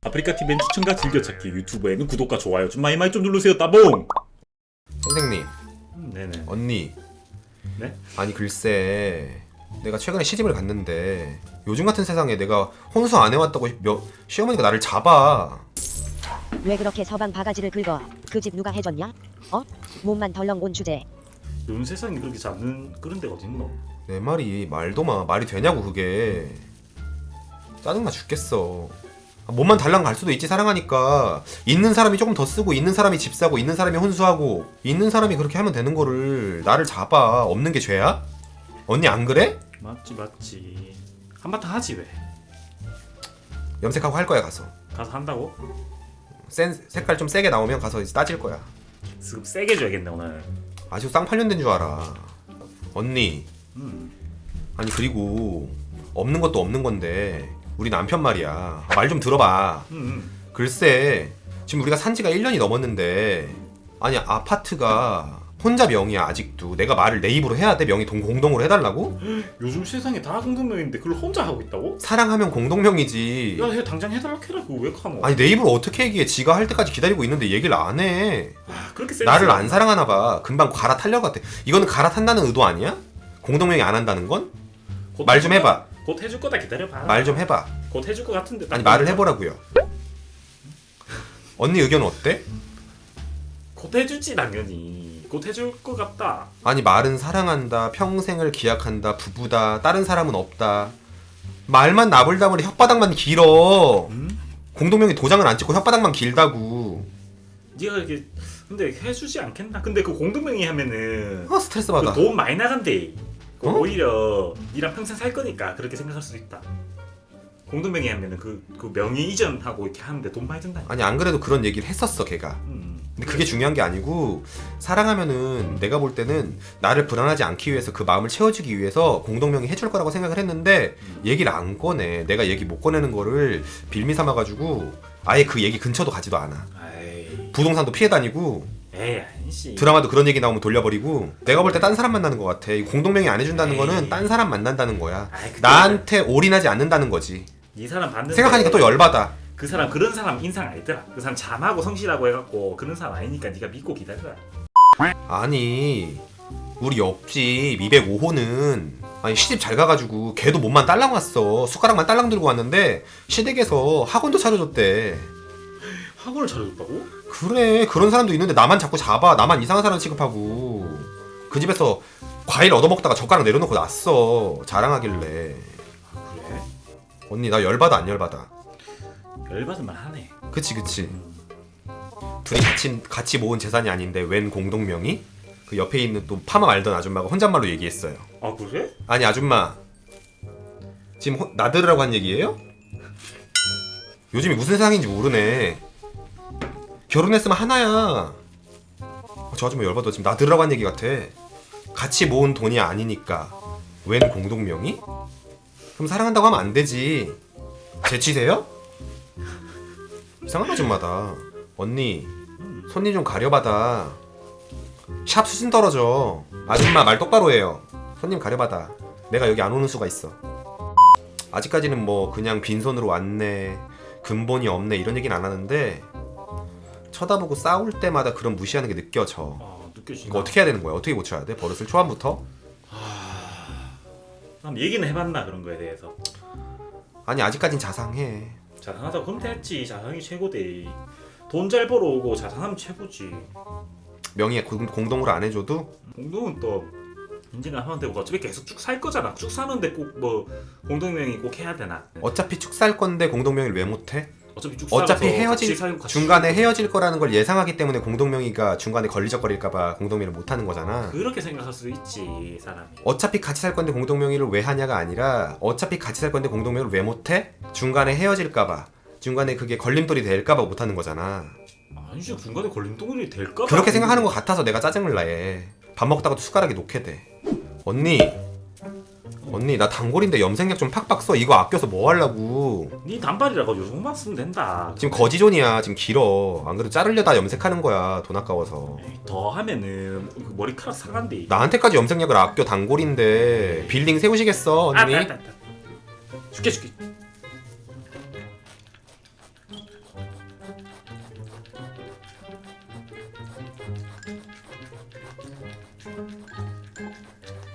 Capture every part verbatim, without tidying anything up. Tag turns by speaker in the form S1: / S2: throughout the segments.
S1: 아프리카티비엔 추천과 즐겨찾기, 유튜브에는 구독과 좋아요 좀 많이 많이 좀 누르세요. 따봉!
S2: 선생님,
S1: 음, 네네.
S2: 언니.
S1: 네?
S2: 아니 글쎄, 내가 최근에 시집을 갔는데 요즘 같은 세상에 내가 혼수 안 해왔다고 몇, 시어머니가 나를 잡아.
S3: 왜 그렇게 서방 바가지를 긁어? 그 집 누가 해줬냐? 어? 몸만 덜렁 온 주제.
S1: 요즘 세상에 그렇게 잡는 그런 데가 어딨노?
S2: 내 말이 말도 마. 말이 되냐고 그게. 짜증나 죽겠어. 아, 몸만 달랑 갈 수도 있지 사랑하니까. 있는 사람이 조금 더 쓰고 있는 사람이 집 사고 있는 사람이 혼수하고 있는 사람이 그렇게 하면 되는 거를 나를 잡아. 없는 게 죄야? 언니 안 그래?
S1: 맞지 맞지. 한바탕 하지 왜?
S2: 염색하고 할 거야 가서.
S1: 가서 한다고?
S2: 센 색깔 좀 세게 나오면 가서 이제 따질 거야.
S1: 습 세게 줘야겠네 오늘.
S2: 아주 쌍팔년된 줄 알아. 언니.
S1: 음.
S2: 아니 그리고 없는 것도 없는 건데 우리 남편 말이야. 말 좀 들어봐.
S1: 음, 음.
S2: 글쎄 지금 우리가 산 지가 일 년이 넘었는데 아니 아파트가 혼자 명의야 아직도. 내가 말을 내 입으로 해야 돼? 명의 동, 공동으로 해달라고?
S1: 요즘 세상에 다 공동명인데 그걸 혼자 하고 있다고?
S2: 사랑하면 공동명이지.
S1: 야, 해 당장 해달라 해라. 그거 왜 카노?
S2: 아니 내 입으로 어떻게 얘기해. 지가 할 때까지 기다리고 있는데 얘기를 안 해.
S1: 아, 그렇게 센스.
S2: 나를 안 사랑하나 봐. 금방 갈아타려고 같아. 이거는 갈아탄다는 의도 아니야? 공동명의 안 한다는 건?
S1: 곧
S2: 말 좀
S1: 해줄
S2: 해봐.
S1: 거다. 곧 해줄 거다 기다려봐.
S2: 말 좀 해봐.
S1: 곧 해줄 거 같은데.
S2: 아니 말을 해보라고요. 언니 의견은 어때?
S1: 곧 해주지 당연히. 곧 해줄 거 같다.
S2: 아니 말은 사랑한다, 평생을 기약한다, 부부다, 다른 사람은 없다. 말만 나불다물이 혓바닥만 길어.
S1: 음?
S2: 공동명의 도장을 안 찍고 혓바닥만 길다고.
S1: 네가 이렇게 근데 해주지 않겠나? 근데 그 공동명의 하면은
S2: 아 스트레스 받아.
S1: 그 돈 많이 나간대. 그
S2: 어?
S1: 오히려 니랑 평생 살 거니까 그렇게 생각할 수도 있다. 공동명의 하면은 그, 그 명의 이전하고 이렇게 하는데 돈 많이 든다.
S2: 아니 안 그래도 그런 얘기를 했었어 걔가.
S1: 음.
S2: 근데 그게 중요한 게 아니고 사랑하면은 내가 볼 때는 나를 불안하지 않기 위해서 그 마음을 채워주기 위해서 공동명의 해줄 거라고 생각을 했는데 얘기를 안 꺼내. 내가 얘기 못 꺼내는 거를 빌미 삼아가지고 아예 그 얘기 근처도 가지도 않아.
S1: 아이.
S2: 부동산도 피해 다니고
S1: 에이 아니지.
S2: 드라마도 그런 얘기 나오면 돌려버리고. 내가 볼 때 딴 사람 만나는 것 같아. 이 공동명의 안 해준다는
S1: 에이.
S2: 거는 딴 사람 만난다는 거야.
S1: 아이, 그때
S2: 나한테 올인하지 않는다는 거지.
S1: 이 사람 봤는데
S2: 생각하니까 또 열받아.
S1: 그 사람 그런 사람 인상 아니더라. 그 사람 잠하고 성실하고 해갖고 그런 사람 아니니까 네가 믿고 기다려라.
S2: 아니 우리 옆집 이백오 호는 아니 시집 잘 가가지고 걔도 몸만 딸랑 왔어. 숟가락만 딸랑 들고 왔는데 시댁에서 학원도 차려줬대.
S1: 학원을 차려줬다고?
S2: 그래 그런 사람도 있는데 나만 자꾸 잡아. 나만 이상한 사람 취급하고. 그 집에서 과일 얻어먹다가 젓가락 내려놓고 났어. 자랑하길래.
S1: 그래?
S2: 언니 나 열받아 안 열받아?
S1: 열받을만 하네.
S2: 그치 그치.
S1: 음.
S2: 둘이 같이, 같이 모은 재산이 아닌데 웬 공동명의? 그 옆에 있는 또 파마 말던 아줌마가 혼잣말로 얘기했어요.
S1: 아 그래?
S2: 아니 아줌마 지금 호, 나들으라고 한 얘기예요? 요즘이 무슨 세상인지 모르네. 결혼했으면 하나야. 어, 저 아줌마 열받아. 지금 나들으라고 한 얘기 같아. 같이 모은 돈이 아니니까 웬 공동명의? 그럼 사랑한다고 하면 안 되지. 재치세요? 이상한 아줌마다. 언니 손님 좀 가려받아. 샵 수준 떨어져. 아줌마 말 똑바로 해요. 손님 가려받아. 내가 여기 안 오는 수가 있어. 아직까지는 뭐 그냥 빈손으로 왔네, 근본이 없네 이런 얘기는 안 하는데 쳐다보고 싸울 때마다 그런 무시하는 게 느껴져.
S1: 아 느껴지나?
S2: 이거 어떻게 해야 되는 거야? 어떻게 고쳐야 돼? 버릇을 초반부터?
S1: 난 얘기는 해봤나 그런 거에 대해서.
S2: 아니 아직까진 자상해.
S1: 자상하다고 그럼 됐지. 자상이 최고대. 돈 잘 벌어오고 자상하면 최고지.
S2: 명의에 공, 공동으로 안 해줘도
S1: 공동은 또 인증을 하면 되고 어차피 계속 쭉 살 거잖아. 쭉 사는데 꼭 뭐 공동명의 꼭 해야 되나?
S2: 어차피 축 살 건데 공동명의를 왜 못해?
S1: 어차피 쭉
S2: 어차피
S1: 살아서
S2: 헤어질
S1: 같이 살고 같이
S2: 중간에
S1: 살고.
S2: 헤어질 거라는 걸 예상하기 때문에 공동명의가 중간에 걸리적거릴까봐 공동명의를 못 하는 거잖아.
S1: 그렇게 생각할 수도 있지 사람이.
S2: 어차피 같이 살 건데 공동명의를 왜 하냐가 아니라 어차피 같이 살 건데 공동명의를 왜 못해? 중간에 헤어질까봐, 중간에 그게 걸림돌이 될까봐 못 하는 거잖아.
S1: 아니지 중간에 걸림돌이 될까?
S2: 그렇게 생각하는 것 같아서 내가 짜증을 나해. 밥 먹다가도 숟가락이 놓게 돼. 언니 언니 나 단골인데 염색약 좀 팍팍 써. 이거 아껴서 뭐 하려고.
S1: 네 단발이라고 요 정도만 쓰면 된다.
S2: 지금 거지존이야. 지금 길어. 안 그래도 자르려다 염색하는 거야. 돈 아까워서.
S1: 에이, 더 하면은 그 머리카락 상한대.
S2: 나한테까지 염색약을 아껴. 단골인데 빌딩 세우시겠어 언니?
S1: 아, 아, 아, 아. 줄게 줄게.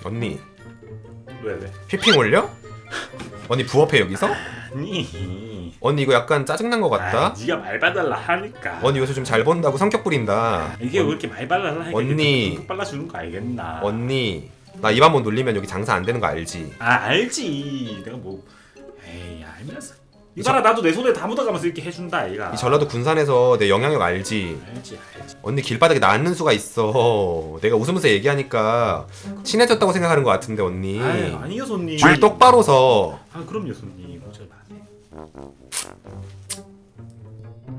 S2: 언니
S1: 왜 왜?
S2: 휘핑 올려? 언니 부업해 여기서?
S1: 아니.
S2: 언니 이거 약간 짜증난 것 같다.
S1: 아, 네가 말 봐달라 하니까.
S2: 언니 요새 좀 잘 번다고 성격 부린다.
S1: 이게 왜 이렇게 말 봐달라 하니까
S2: 언니.
S1: 툭툭 빨라주는 거 알겠나?
S2: 언니 나 입 한 번 놀리면 여기 장사 안 되는 거 알지?
S1: 아 알지. 내가 뭐 에이 알면서. 이봐라 나도 내 손에 다 묻어가면서 이렇게 해준다 얘가.
S2: 이 전라도 군산에서 내 영향력 알지?
S1: 알지 알지.
S2: 언니 길바닥에 나 앉는 수가 있어. 내가 웃으면서 얘기하니까 친해졌다고 생각하는 것 같은데 언니.
S1: 아이, 아니요 손님.
S2: 줄 똑바로 서.
S1: 아 그럼요 손님. 어쩔 마.